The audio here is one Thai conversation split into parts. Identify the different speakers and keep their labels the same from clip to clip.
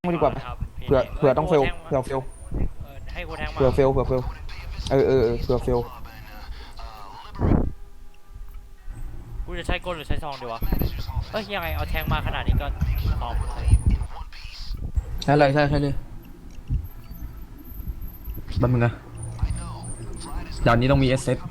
Speaker 1: ไม่ดีกว่าไหม
Speaker 2: ครับ
Speaker 1: เผื่อต้องเฟลเผื่อเฟล
Speaker 2: ให้กูแทงมา
Speaker 1: เผื่อเฟลเผื่อเฟลเผื่อเฟล
Speaker 2: กูจะใช้กลหรือใช้ซองดีวะยังไงเอาแทงมาขนาดนี้ก็ซอง
Speaker 1: ใช่เลยใช่เลยบันมึงนะด่านนี้ต้องมีเอสเซต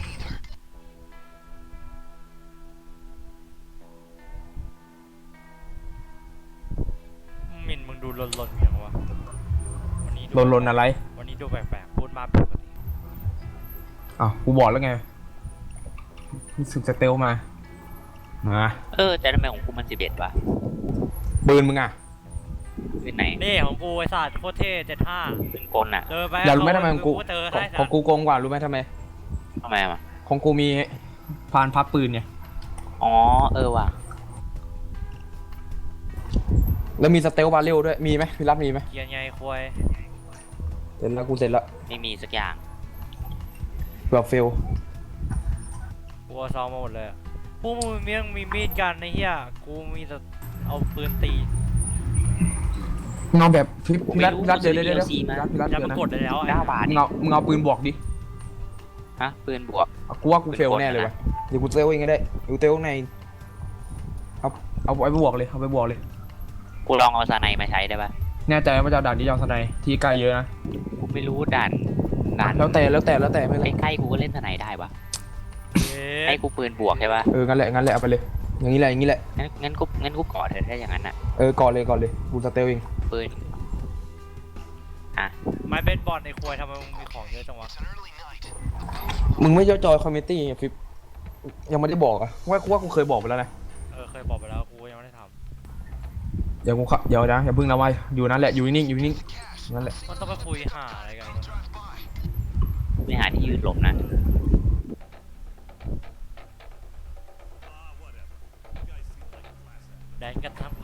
Speaker 2: มินมึงดูลนอย่างวะวันนี้
Speaker 1: ลนอะไร
Speaker 2: วันนี้ดูแปลกๆพูดมาปกติ
Speaker 1: อ้าวกูบอกแล้วไงรู้สึกจะเตลมา
Speaker 3: แต่ทำไมของกูมัน11วะ
Speaker 1: ปืนมึงอ่ะ
Speaker 3: เป็นไหน
Speaker 2: นี่ของกูไอ้สัตว์โคตรเท่75
Speaker 3: เป็นกลอ่ะ
Speaker 2: เจอไป
Speaker 1: อยากรู้ไหมทำไมของกูโกงกว่ารู้ไหมทำไม
Speaker 3: อ่ะ
Speaker 1: ของกูมีพานพับปืนไง
Speaker 3: อ๋อว่ะ
Speaker 1: แล้วมีสเตลบาเรลด้วยมีไหมพี่รับมีไหม
Speaker 2: เกียร์ไงควาย
Speaker 1: เสร็จแล้วกูเสร็จแล้ว
Speaker 3: ไม่มีสักอย่าง
Speaker 1: เผื่อเฟล
Speaker 2: กูเอาซองมาหมดเลยพวกมึงมีมีดกันไอ้เหี้ยกูมีแต่เอาปืนตี
Speaker 1: เงาแบบพี่รัดเดี๋ยวพี่รัด
Speaker 2: จะมากดเลยแล้ว
Speaker 3: 9 บาท
Speaker 1: มึงเอาปืนบวกดิ
Speaker 3: ฮะปืนบวก
Speaker 1: กูว่ากูเฟลแน่เลยวะเดี๋ยวกูเตลเองก็ได้กูเตลในเอาไปบวกเลยเอาไปบวกเลย
Speaker 3: กูลองเอาซาไนมาใช้ได้ปะ
Speaker 1: แน่ใจว่าจะด่านที่ยาวสไนที่ไกลเยอะนะ
Speaker 3: กูไม่รู้ด่าน
Speaker 1: แล้วแต่ไม่
Speaker 3: ใกล้ๆกูก็เล่นซาไนได้ปะให้กูปืนบวกใช่ปะ
Speaker 1: งั้นแหละเอาไปเลยอย่างนี้แหละ
Speaker 3: งั้นกูกอดเธอถ้าอย่างนั้นอ่ะ
Speaker 1: ก่อนเลยกูสเตลเอง
Speaker 3: ปืน
Speaker 2: ไม่เป็นบอลในครัวทำไมมึงมีของเยอะจังวะ
Speaker 1: มึงไม่จอยคอมมิตี้ฟิปยังไม่ได้บอกอะว่ากูเคยบอกไปแล้วนะ
Speaker 2: เคยบอกไปแล้วกูยังไม่ได้ท
Speaker 1: ำเดี๋ยวนะอย่าพึ่งนะไว้อยู่นั่นแหละอยู่นิ่งนั่นแหละ
Speaker 2: มันต้องไปคุยหาอะไรกัน
Speaker 3: ไม่หาที่ยืดหลบนะ
Speaker 2: แดนกันทั้ง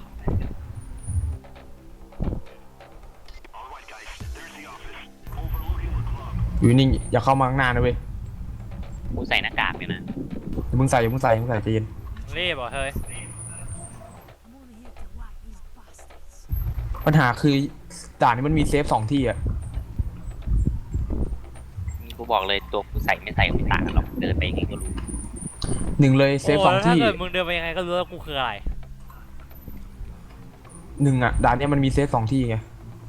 Speaker 1: อยู่นิ่งอย่าเข้ามาข้างหน้านะเว้ย
Speaker 3: กูใส่หน้ากากเนี่ยนะ
Speaker 1: มึงใส่ใจเย็น
Speaker 2: รีบเหรอเฮ้ย
Speaker 1: ปัญหาคือด่านนี้มันมีเซฟ2 ที่อะ
Speaker 3: กูบอกเลยตัวกูใส่ไม่ต่างกันหรอกเดินไปยังไงก็รู้
Speaker 1: 1เลยเซฟ2 ที่
Speaker 2: ถ้าเกิดมึงเดินไปยังไงก็รู้ว่ากูคืออะไร
Speaker 1: 1อะด่านนี้มันมีเซฟ2 ที่ไง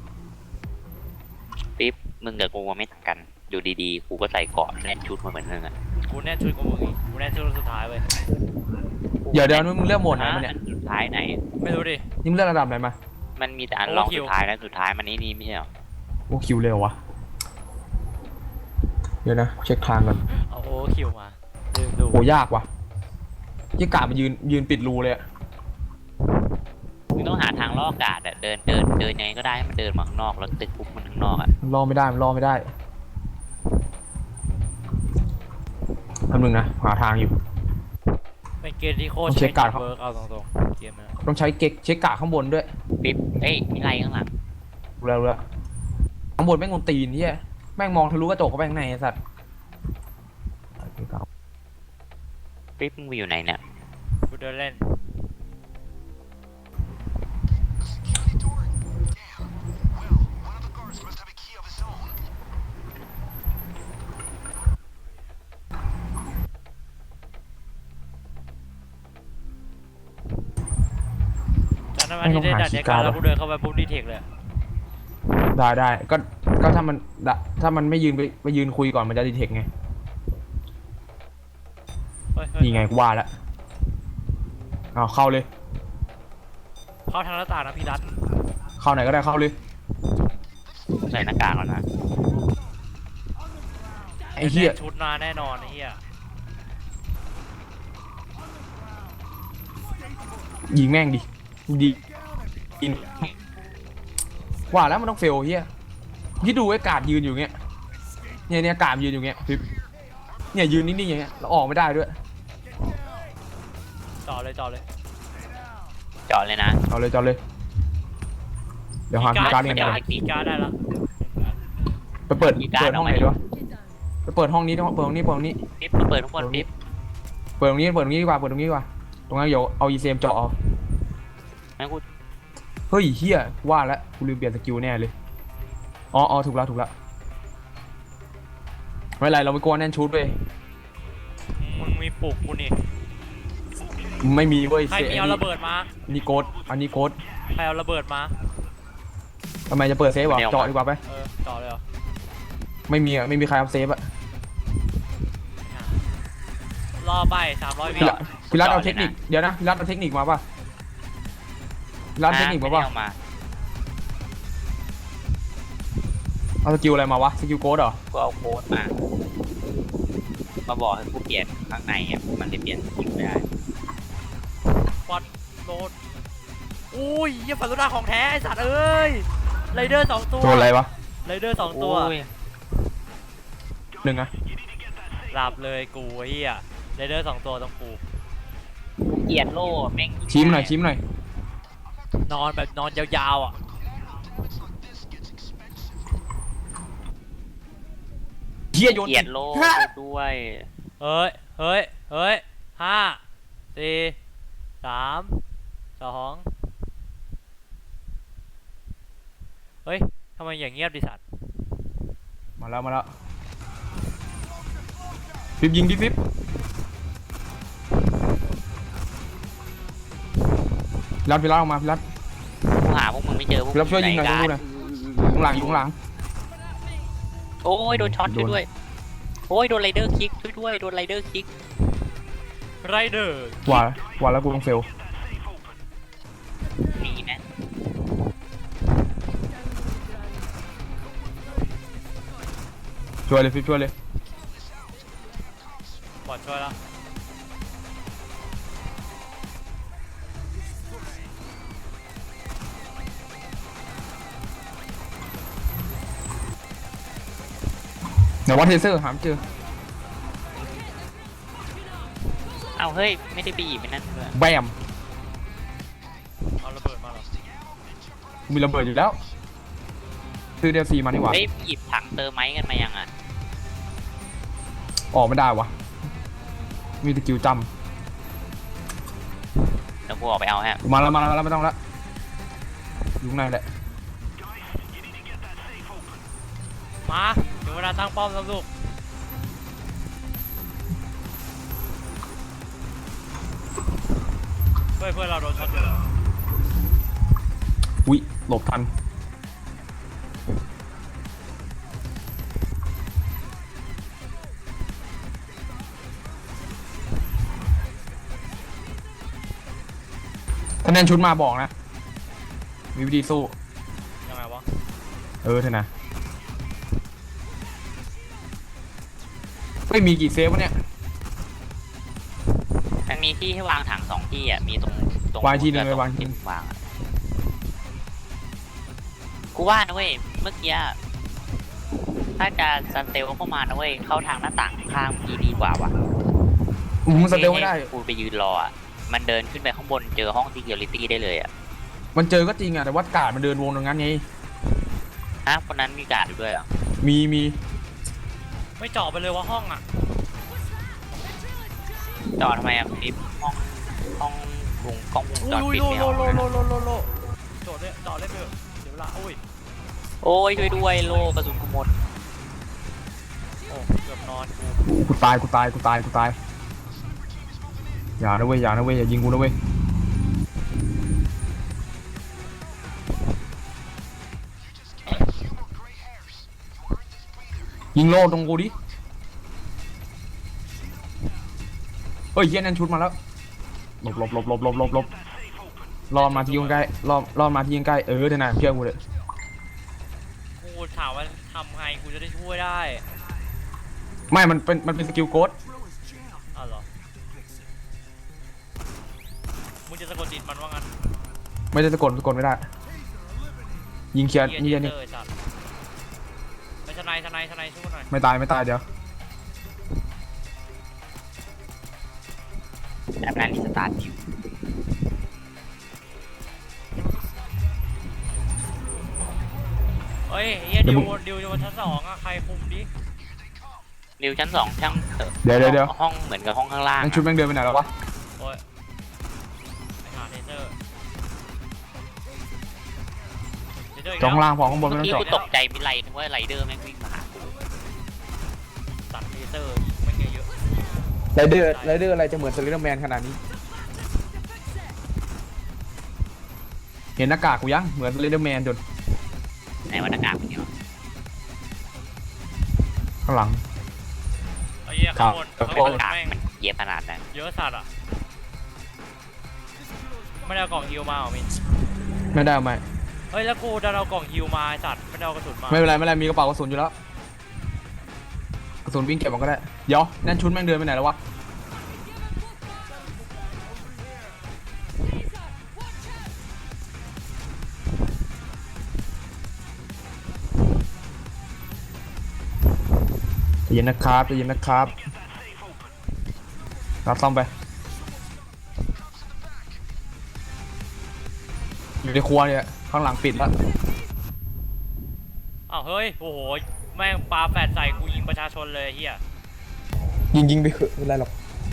Speaker 3: ปิ๊บมึงกับกูไม่ต่างกันอยู่ดีๆกูก็ใส่เกาะแน่นชุดมาเหมือนมึงอ่ะ
Speaker 2: กูแน่ชุดกูมึงอีกกูแน่ชุดสุดท้ายเว้ย
Speaker 1: เดี๋ยวมึงเลือกโหมดไหนมาเนี่ย
Speaker 3: สุดท้ายไหน
Speaker 2: ไม่รู้ดิ
Speaker 1: นี่มึงเลือกระดับไหนมา
Speaker 3: มันมีแต่อันรองสุดท้ายแล้วสุดท้ายมันนี่ไม่ใช่หรอ
Speaker 1: โอ้คิวเร็ววะเดี๋ยวนะเช็คทางก่อน
Speaker 2: เอาโอ้คิวมาดู
Speaker 1: โหยากว่ะยี่กะมายืนปิดรูเลยอะ
Speaker 3: มึงต้องหาทางล่อกาดอะเดินยังไงก็ได้ให้มันเดินมาข้างนอกแล้วตึกปุ๊บมันข้างนอกอะ
Speaker 1: ล่อไม่ได้ทำหนึ่งนะหาทางอยู่
Speaker 2: เป็นเกมที่โคตรใช้การเวิร์กเอาตรงๆเกมนะ
Speaker 1: ต้องใช้เช็คกะข้างบนด้วย
Speaker 3: ปิ๊บมีไรข้างหลัง
Speaker 1: รู้แล้วข้างบนแม่งงตีนที่แม่งมองทะลุกระจกเข้าไปข้างในไอ้สัตว์
Speaker 3: ปิ๊บมึงอยู่ไหนเนี่ย
Speaker 2: กูเดินเล่นจากนั้นที่ได้ดัดเด็กแล้วกูเดินเข้าไปปุ๊บดีเทคเลย
Speaker 1: ได้ก็ถ้ามันไม่ยืนคุยก่อนมันจะดีเทคไงนี่ไงกูว่าแล้วเอาเข้าเลย
Speaker 2: เข้าทางหน้าต่างนะพี่รัต
Speaker 1: เข้าไหนก็ได้เข้าเลย
Speaker 3: ใส่หน้ากากแล้วนะ
Speaker 1: ไอ้เหี้ย
Speaker 2: ชุดมาแน่นอนไอ้เหี้ย
Speaker 1: ยิงแม่งดิอินว่าแล้วมันต้องเฟลเฮียที่ดูไอ้กาดยืนอยู่เงี้ยเนี่ยกาดยืนอยู่เงี้ยเนี่ยยืนนิ่งๆอย่างเงี้ยแล้วออกไม่ได้ด้วย
Speaker 2: จอดเลย
Speaker 3: นะ
Speaker 1: เอาเลยเดี๋ยวหาการ์ดเรียนก่อน
Speaker 2: การ์ดได้แล้ว
Speaker 1: ไปเปิดห้องไหนดีวะไปเปิดห้องนี้เปิดห้องนี้
Speaker 3: ปิ๊บมาเปิดทุกคนปิ๊บ
Speaker 1: เปิดตรงนี้ดีกว่าตรงนั้นเดี๋ยวเอา ECM เจาะเอา
Speaker 3: งั้นกู
Speaker 1: เฮ้ยเฮียว่าแล้วกูลืมเปลี่ยนสกิลแน่เลยอ๋อถูกแล้วไม่เป็นไรเราไปกลัวแน่นชุดไป
Speaker 2: มึงมีปลุกกูนี่
Speaker 1: ไม่มีเว้ย
Speaker 2: ใครมีเอาระเบิดมา
Speaker 1: อันนี้โกดอันนี้โกด
Speaker 2: ใครเอาระเบิดมา
Speaker 1: ทำไมจะเปิดเซฟวะเจาะดีกว่าไป
Speaker 2: ต่อเลยเหรอ
Speaker 1: ไม่มีใครเอาเซฟอะ
Speaker 2: รอใบ300 วิ
Speaker 1: พี่รัตเอาเทคนิคเดี๋ยวนะพี่รัตเอาเทคนิคมาป่ะพี่รัตเทคนิคมาป่ะ
Speaker 3: เอามา
Speaker 1: เอาสกิลอะไรมาวะสกิลโกดเหรอ
Speaker 3: ก็เอาโค้ดมาบอกให้กูเปลี่ยนข้างในอ่ะมันเลยเปลี่ยนสกิลไม่ได้
Speaker 2: ฟอนโดนอุ้ยยี่ฝันตุดาของแท้ไอสัตว์เอ้ยไรเดอร์2 ตัว
Speaker 1: ตัวอะไรวะ
Speaker 2: ไรเดอร์2 ตัว
Speaker 3: โอ้ย
Speaker 1: หนึ่งอะ
Speaker 2: หลับเลยกูไอ้เหี้ยไรเดอร์2 ตัวต้องกู
Speaker 3: เกลียดโล่แม่ง
Speaker 1: ชี้มหน่อย
Speaker 2: นอนแบบนอนยาวๆอ่ะ
Speaker 1: เฮียโยน
Speaker 3: เกลียดโล่ด้วย
Speaker 2: เฮ้ย5 4 3 2เฮ้ยทำไมอย่างเงียบดิสัตว์
Speaker 1: มาแล้วฟิบยิงดิฟิบพี่รัตออกมาพี่รัต
Speaker 3: กูหาพวกมึงไม่เจอพวก
Speaker 1: รับช่วยยิงหน่อย
Speaker 3: กั
Speaker 1: ช่วยยิงหน่อย อยู่ข้างหลัง
Speaker 3: โอ้ยโดนช็อตช่วยด้วยโอ้ยโดนไรเดอร์คิกช่วยด้วยโดนไรเดอร์คิก
Speaker 2: ไรเดอร์
Speaker 1: ว่าแล้วกูต้องเฟล
Speaker 3: หนีนะ
Speaker 1: ช่วยเลยฟิบช่วยเลย
Speaker 2: บอดช่วยแล้ว
Speaker 1: เดี๋ยวว่าเทเซอร์หามเจอ
Speaker 3: เอาเฮ้ยไม่ได้ไปหยิบไปนั่นด้วย
Speaker 1: แบม
Speaker 2: เอาระเบิดมาเหรอ
Speaker 1: มีระเบิดอยู่แล้วซื้อเดลซีมานี่หว่า
Speaker 3: เฮ้ยหยิบถังเติมไม้กันมายังอ่ะ
Speaker 1: ออกไม่ได้วะมีสกิลจ
Speaker 3: เดี๋ยวกูออกไปเอาฮะ
Speaker 1: ำมาแล้วไม่ต้องละอยู่ข้างในแหละ
Speaker 2: มาถึงเวลาตั้งป้อมแล้วลูกเพื่อนเราโดนช็อตอยู่แล้ว
Speaker 1: อุ้ยหลบทันถ้าแน่นชุดมาบอกนะมีวิธีสู้
Speaker 2: ยังไงวะ
Speaker 1: เถอะนะไม่มีกี่เซฟวะเนี่ย
Speaker 3: มันมีที่ให้วางถัง2 ที่อ่ะมีตรง
Speaker 1: วางที่หนึ่ง
Speaker 3: กับ
Speaker 1: วางที่
Speaker 3: วางอ่ะกูว่านะเว้ยเมื่อกี้ถ้าจะสเตลเข้ามานะเว้ยเข้าทางหน้าต่างข้างพี่ดีกว่าว่ะ
Speaker 1: มันสเตลไม่ได้
Speaker 3: ให้กูไปยืนรออ่ะมันเดินขึ้นไปข้างบนเจอห้อง security ได้เลยอ่ะ
Speaker 1: มันเจอก็จริงอะแต่ว่ากาดมันเดินวงตรงนั้นไง
Speaker 3: ฮะคนนั้นมีการ์ดอยู่ด้วยเหรอ
Speaker 1: มี
Speaker 2: ไม่เจาะไปเลยว่าห้องอ่ะ
Speaker 3: จอดทำไมอ่ะคลิปห้องวงกล้องวงจร
Speaker 2: อุ้ย
Speaker 3: ปิด
Speaker 2: โล
Speaker 3: ไม่
Speaker 2: โล
Speaker 3: เอา
Speaker 2: โลโลโลโลโลโจทย์เลยต่อเล่นเถอะเดี๋ยวเวลาอุ้ย
Speaker 3: โอ้ยช่วยด้วยโลกระสุนกูหมด
Speaker 2: โอ้เกือบนอนกู
Speaker 1: กูตายอย่านะเว้ยอย่ายิงกูนะเว้ยยิงโล่ตรงกูดิเฮ้ยเหี้ยนั่นชุดมาแล้วหลบรอมาที่ยิงใกล้รอมาที่ยิงใกล้เถอะนะเชื่อกูเลย
Speaker 2: กูถามว่าทำไงกูจะได้ช่วยได้
Speaker 1: ไม่มันเป็นสกิลโค้ด
Speaker 2: อ้าวเหรอมึงจะสะกดจิตมันว่างั้น
Speaker 1: ไม่ได้สะกดไม่ได้ ยิงเคลียร์
Speaker 2: เหี้
Speaker 1: นี่
Speaker 2: ย
Speaker 1: นี่
Speaker 2: เจอไอ้สัตว์ไปทนายช่วยหน่อย
Speaker 1: ไม่ตายเดี๋ยว
Speaker 3: แบบนั้นรีสตาร์ทอยู่
Speaker 2: เฮ้ยเฮียดิวอยู่บนชั้น2อ่ะใครคุมดิ
Speaker 3: ริวชั้น2ช่างเถอะ
Speaker 1: เดี๋ยว
Speaker 3: ห้องเหมือนกับห้องข้างล่าง
Speaker 1: นั่นชุดแม่งเดินไปไหนแล้ววะ
Speaker 2: โอ้ยไปหาเทเซอร์
Speaker 1: จ้องล่างพอข้างบน
Speaker 3: เมื่
Speaker 1: ไม่
Speaker 3: อ
Speaker 1: ต้อ
Speaker 3: กี้
Speaker 1: งเจาะ
Speaker 3: กูตกใจมิไรนึกว่าไรเดอร์แม่งวิ่งมาหากู
Speaker 2: ตัดเลเซอร์อีกไม่เยอะ
Speaker 1: ไรเดอร์อะไรจะเหมือนสลิดแมนขนาดนี้เห็นหน้ากากกูยังเหมือนสลิดแมนจน
Speaker 3: ในวรรณกาศมันเนี่ย
Speaker 1: ข้างหลัง
Speaker 2: ไอ้เหี้ยข้างบน
Speaker 1: ครับ
Speaker 2: ข้าง
Speaker 3: ว
Speaker 2: บ
Speaker 3: รรณ
Speaker 2: น
Speaker 3: กาศ
Speaker 2: แม่ง
Speaker 3: มันเย็บขนาดนั้น
Speaker 2: เยอะสัตว์อ่ะไม่ได้เอากล่องฮิวมาเหรอมิน
Speaker 1: ไม่ได้เอาไหม
Speaker 2: เฮ้ยแล้วกูจะเอากล่องฮิวมาไอ้สัตว์ไม่ได้เอากระสุนมา
Speaker 1: ไม่เป็นไรมีกระเป๋ากระสุนอยู่แล้วกระสุนวิ่งเก็บมันก็ได้เดี๋ยวนั่นชุดแม่งเดินไปไหนแล้ววะใจเย็นนะครับรับซ่อมไปอยู่ในครัวเนี่ยข้างหลังปิดแล้ว
Speaker 2: อ้าวเฮ้ยโอ้โหแม่งปาแฟดใส่กูยิงประชาชนเลยไอ้เฮีย
Speaker 1: ยิงไปเถอะไม่เป็นไรหรอก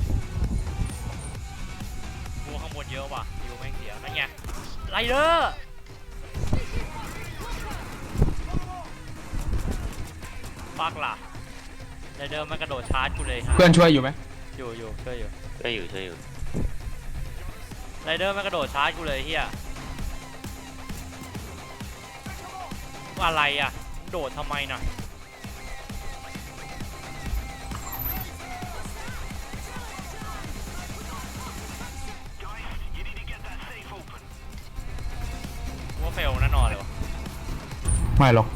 Speaker 2: กูข้างบนเยอะว่ะฮิวแม่งเสียนั่นไงไรเดอร์ปักล่ะไรเดอร์มันกระโดดชาร์จกูเลย
Speaker 1: เพื่อนช่วยอยู่ไหม
Speaker 2: อยู่ช่วยอยู่
Speaker 3: ช่วยอยู่
Speaker 2: ไรเดอร์มันกระโดดชาร์จกูเลยเฮียอะไรอ่ะโดดทำไมน่ะว่าเฟลแน่นอนเลยวะ
Speaker 1: ไม่หรอก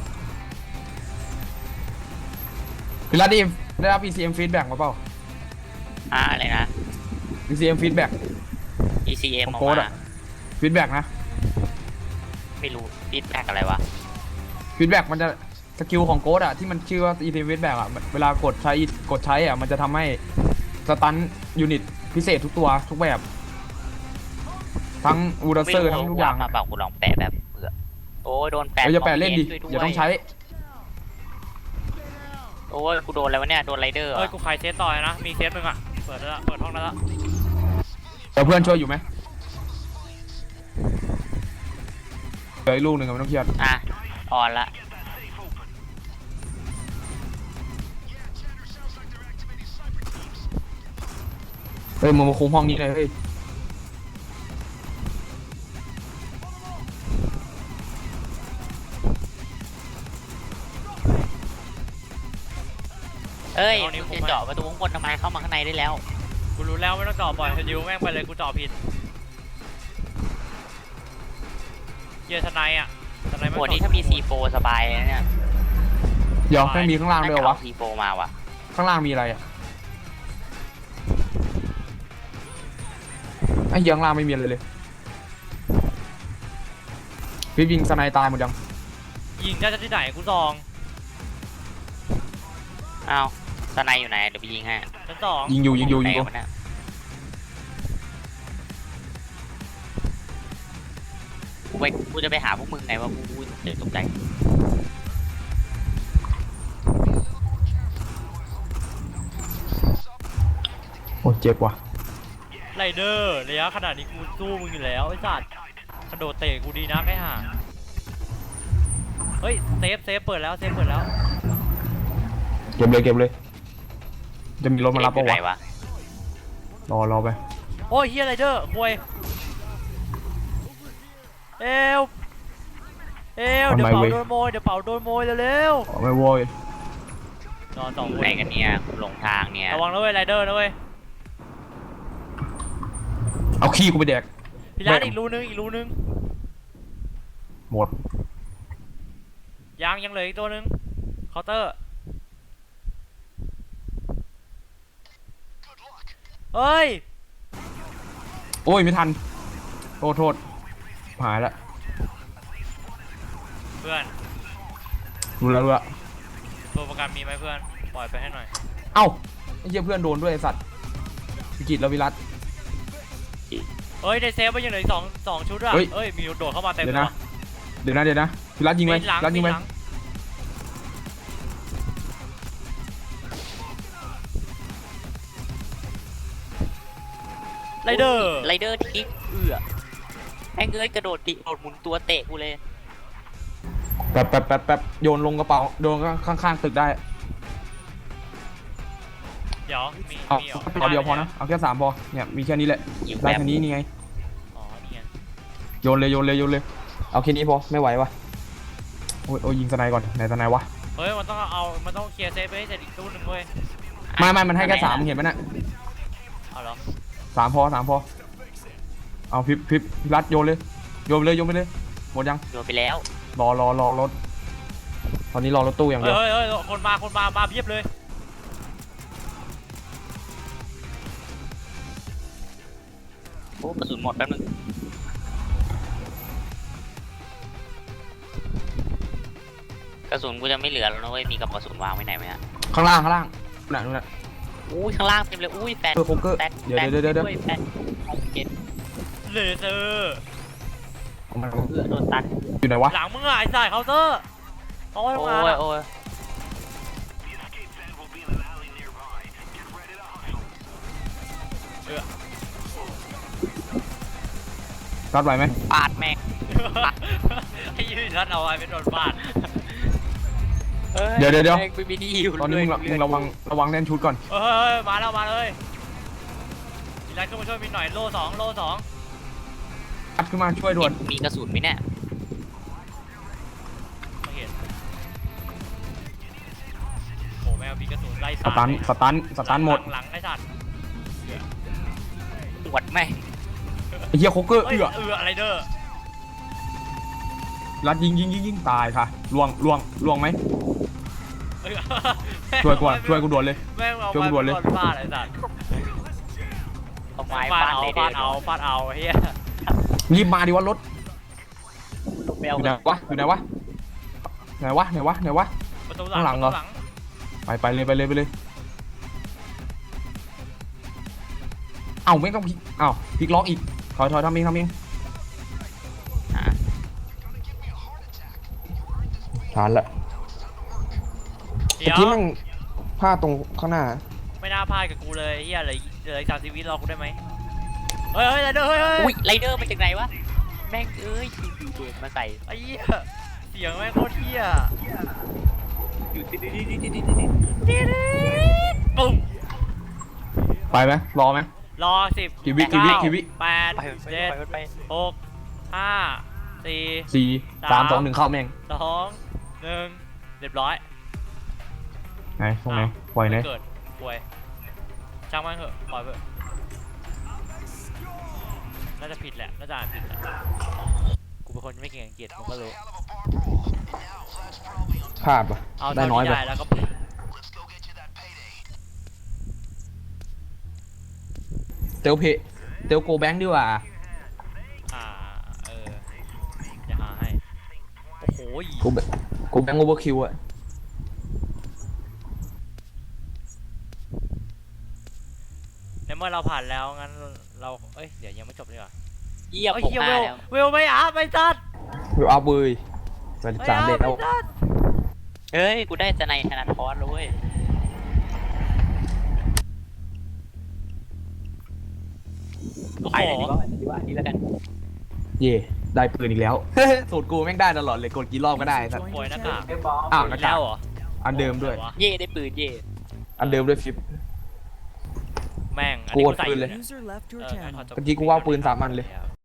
Speaker 1: พี่รัตดีได้รับ ECM feedback มาเปล่า
Speaker 3: อะไรนะ
Speaker 1: ECM feedback
Speaker 3: ECM
Speaker 1: ของ
Speaker 3: ออก
Speaker 1: โค้ด
Speaker 3: มา
Speaker 1: อะ feedback นะ
Speaker 3: ไม่รู้ฟีดแบ็กอะไรวะ
Speaker 1: feedback มันจะสกิลของโค้ดอะที่มันชื่อว่า ECM feedback อะเวลากดใช้อะมันจะทำให้สตันยูนิตพิเศษทุกตัวทุกแบบ ทั้งอูดัสเซอร์ทั้งทุกอย่าง
Speaker 3: มาเปล่ากูลองแปะแบบเผื่อโอ้ยโดนแปะ
Speaker 1: เราจะแปะเล่นดิ
Speaker 3: ช่ว
Speaker 1: อย่าต้องใช้
Speaker 3: โอ้ยกูโดนอะไรวะเนี่ยโดนไรเดอร์
Speaker 2: เฮ้ยกูขายเซตต่อยนะมีเซตมึงอ่ะเปิดแล้วเปิดห้องแล้วละ
Speaker 1: เดี๋ยวเพื่อนช่วยอยู่ไหมเหลืออีกลูกหนึ่งอะไม่ต้องเครียด
Speaker 3: อ่ะออนละ
Speaker 1: เฮ้ยมึงมาคุมห้องนี้เลยเฮ้ย
Speaker 3: เอ้ยมึงจะเจาะประตูข้างบนทำไมเข้ามาข้างในได้แล้ว
Speaker 2: กูรู้แล้วไม่ต้องเจาะบ่อยดิวแม่งไปเลยกูเจาะผิดเกียร์ทนายอ่ะทนาย
Speaker 3: โหนี่ถ้ามี C4 สบายเลยเนี่ย
Speaker 1: เดี๋ยวแม่งมีข้างล่างด้วยเหรอวะ
Speaker 3: น่าจะเอา C4 มาว่ะ
Speaker 1: ข้างล่างมีอะไรอะไอ้เหี้ยข้างล่างไม่มีอะไรเลยพี่ยิงสไนตายหมดยัง
Speaker 2: ยิงได้ที่ไหนกูซอง
Speaker 3: อ้าวสไนอยู่ไหนเดี๋ยวไปยิงให้
Speaker 2: ชั้นสอง
Speaker 1: ยิงอยู่
Speaker 3: ไหนวะเนี่ยกูจะไปหาพวกมึงไงว่ากูเดี๋ยวตกใจ
Speaker 1: โอ้เจ็บว่ะ
Speaker 2: ไรเดอร์ระยะขนาดนี้กูสู้มึงอยู่แล้วไอ้สัตว์กระโดดเตะกูดีนะไอ้ห่าเฮ้ยเซฟเปิดแล้วเปิดแล้ว
Speaker 1: เก็บเลยจะมีรถมารับ
Speaker 3: เอ๊ะ
Speaker 1: ปะ
Speaker 3: อยู่ไหน
Speaker 1: วะ
Speaker 3: วะ
Speaker 1: รอไป
Speaker 2: โอ้ยเฮียไรเดอร์ควยเอวเดี๋ยวเป่าโดนโมยเร็ว
Speaker 1: ไม่โว้ย
Speaker 2: ๆนอนสองคน
Speaker 3: ไหนกันเนี่ยกูหลงทางเนี่ย
Speaker 2: ระวังนะเว้ยไรเดอร์นะเว้ย
Speaker 1: เอาขี้กูไปแดก
Speaker 2: พี่ร้านอีกรูนึง
Speaker 1: หมด
Speaker 2: ยังเหลืออีกตัวนึงเคาน์เตอร์เฮ้ย
Speaker 1: โอ้ยไม่ทันโทษหายละ
Speaker 2: เพื่อน
Speaker 1: รู้แล้ว
Speaker 2: ตัวประกันมีไหมเพื่อนปล่อยไปให้หน่อย
Speaker 1: เอ้าไอ้เหี้ยเพื่อนโดนด้วยไอ้สัตว์วิกิตแล้ววิรัต
Speaker 2: เฮ้ยได้เซฟไปยังเหลืออีกสองชุดอ่ะ
Speaker 1: เฮ้ย
Speaker 2: เอ้ยมีโดดเข้ามาเต็ม
Speaker 1: เดี๋ยว
Speaker 2: เล
Speaker 1: นะ
Speaker 2: ย
Speaker 1: เดี๋ยวนะวิรัตยิงไหม
Speaker 2: มีหลัง
Speaker 1: วิรัตยิงไหม
Speaker 2: มีหลังไรเดอร์
Speaker 3: ไรเดอร์ที่แม่งเอ้ยกระโดดหมุนตัวเตะกูเลย
Speaker 1: แป๊บโยนลงกระเป๋าโยนข้างๆตึกได้
Speaker 2: เดี๋ยวมี
Speaker 1: เอา
Speaker 2: มีหรอ
Speaker 1: เอาเดียวพอนะเอาแค่3พอเนี่ยมีแค่นี้แหละ
Speaker 3: ยิง
Speaker 1: ได้
Speaker 3: แบบ
Speaker 1: แค่นี้นี่ไง
Speaker 2: อ๋อนี่ไง
Speaker 1: โยนเลยเอาแค่นี้พอไม่ไหววะโอ้ยยิงสไนก่อนไหนสไนวะ
Speaker 2: เฮ้ยมันต้องเคลียร์เซฟไปให้เสร็จอีกตู้หนึ่งเว้ย
Speaker 1: ไม่มันให้แค่3มึงเห็นไหมน่ะ
Speaker 2: เอาเหรอ
Speaker 1: 3พอเอาพิบรัดโยนไปเลยหมดยัง
Speaker 3: โดนไปแล้ว
Speaker 1: รอรถตอนนี้รอรถตู้อย่างเดียว
Speaker 2: เฮ้ยคนมาเพียบเลย
Speaker 3: โอ้กระสุนหมดแป๊บนึงกระสุนกูจะไม่เหลือแล้วนะเว้ยมีกับกระสุนวางไว้ไหนไหมฮะ
Speaker 1: ข้างล่างนู่นน่ะ
Speaker 3: อุ้ยข้างล่างเต็มเลยอุ้ยแฟน
Speaker 1: โคเกอร์
Speaker 3: แฟน
Speaker 1: เดี๋ยว
Speaker 3: ด้วยแฟนเก็ต
Speaker 2: เลเซอร์
Speaker 1: เอามา
Speaker 3: โดนตัด
Speaker 1: อยู่ไหนวะ
Speaker 2: หลังมึงอ่ะไอ้สายเคาน์เตอร์เอาไว้
Speaker 3: โอ้
Speaker 2: ทำงาน
Speaker 3: ย
Speaker 2: อะ
Speaker 3: โอ้ย
Speaker 1: รัดไหวไหม
Speaker 3: ปาดแม่ง
Speaker 2: ไอ้ยืนรัดเอาไว้เป็นโดนฟาด
Speaker 1: เดี๋ยว
Speaker 3: แม่งไม่มีที่อยู่
Speaker 1: ตอนนี้มึงระวังแน่นชุดก่อน
Speaker 2: เฮ้ยมาเลยมีรัดขึ้นมาช่วยมินหน่อยโล่สอง
Speaker 1: อัดขึ้นมาช่วยด่วน
Speaker 3: มีกระสุนไหมเนี่ย
Speaker 2: ไม่เห็นโอ้แมวมีกระสุนไล่
Speaker 1: สตันหมด
Speaker 2: หลังไอ้สัตว์
Speaker 3: ตรวจแม่ง
Speaker 1: ไอ้เหี้ยโคเกอร์
Speaker 2: เอ้ย อะไรเด้อ
Speaker 1: รัดยิงตายค่ะล่วงไหม
Speaker 2: เอ้ย
Speaker 1: ช่วยกูด่วนเลย
Speaker 2: แม่งเอา
Speaker 1: ช่วยกูด่วนเลย
Speaker 2: ไม้ฟาดไอ้สัตว์
Speaker 3: เอาไม้
Speaker 2: ฟาด
Speaker 3: ฟาด
Speaker 2: เอา
Speaker 3: เลย
Speaker 2: ฟาดเอาเฮีย
Speaker 1: รีบมาดิวะรถ
Speaker 3: ลงไป
Speaker 1: อ
Speaker 3: เอา
Speaker 1: ยู่ไหนวะไหนวะ
Speaker 2: ประตูห
Speaker 1: ข้างหลั
Speaker 2: ลั
Speaker 1: ง
Speaker 2: ง
Speaker 1: เหรอ
Speaker 2: ประตูหลัง
Speaker 1: ไปเลยเอ้าไม่ต้องพลิกเอ้าพลิกล็อกอีกถอยทำเองทานละ
Speaker 2: เดี๋ยว
Speaker 1: เมื่อกี้มันพลาดตรงข้างหน้า
Speaker 2: ไม่น่าพลาดกับกูเลยเฮียเหลืออีก30 วิรอกูได้ไหมเฮ้ยไรเดอร์เฮ้ย
Speaker 3: อุ้ยไรเดอร์มาจากไหนวะแม่งเอ้ยอยู่เด็กมาใส่
Speaker 2: ไอ้เหี้ยเสียงแม่งโคตรเหี้ย
Speaker 3: อยู่ดิ
Speaker 2: ปุ้ม
Speaker 1: ไปไหมรอไหม
Speaker 2: รอ10
Speaker 1: กี่วิ
Speaker 2: 8
Speaker 3: ไป
Speaker 2: 7
Speaker 3: ไป
Speaker 2: 6 5 4
Speaker 1: 4 3 2 1เข้าแม่ง
Speaker 2: 2 1เรียบร้อย
Speaker 1: ไหนตรงไหนปล่อยไหน
Speaker 2: เกิดป่วยช่างมันเถอะปล่อยเถอะน่าจะผิดแหละน่าจะอ่านผิดแหละกูเป็นคนไม่เก่งอังกฤษมึงก็รู้
Speaker 1: พลาดปะ
Speaker 2: เอา
Speaker 1: ได้
Speaker 2: เท่า
Speaker 1: น้อย
Speaker 2: ที่
Speaker 1: ไป
Speaker 2: ได้แล้วก็
Speaker 1: เตลโกแบงค์ดีกว่า
Speaker 2: จะหาให้โอ้โห
Speaker 1: โกแบงค์โอเวอร์คิวอะ
Speaker 2: ในเมื่อเราผ่านแล้วงั้นเราเดี๋ยวยังไม่จบดีกว่า
Speaker 3: เยี่ยม
Speaker 2: เฮ้ย
Speaker 3: ผม
Speaker 2: เหี้ย
Speaker 3: มา
Speaker 2: เวล
Speaker 3: แล้ว
Speaker 2: ไม่อัพไม่จัด
Speaker 1: วิวอัพเว้ย
Speaker 2: ไม่
Speaker 1: 83
Speaker 2: อัพ
Speaker 1: เด็ดแล้ว
Speaker 2: ไม่จัด
Speaker 3: เฮ้ยกูได้จะในธนาคารเลยเว้ยไปเลยดีกว่าดีแล้วกัน
Speaker 1: เย่ได้ปืนอีกแล้ว สูตรกูแม่งได้ตลอดเลยกดกี่รอบก็ได้ครับ
Speaker 2: ป่วยหน้ากาก
Speaker 1: อ้าวหน้ากาก
Speaker 2: แล้วเหรอ
Speaker 1: อันเดิมด้วย
Speaker 3: เย่ได้ปืนเย่
Speaker 1: อันเดิมด้วยฟิป
Speaker 2: แม่งอัน
Speaker 1: กู
Speaker 2: นี้
Speaker 1: ก
Speaker 2: กู
Speaker 1: ด
Speaker 2: ใส่
Speaker 1: ปืน
Speaker 2: อ
Speaker 1: เลย
Speaker 2: นี่
Speaker 4: User left your
Speaker 2: งั้น
Speaker 4: channel.
Speaker 2: ขอจบ
Speaker 1: เมื่อกี้กูว่าปืน3 อันเลย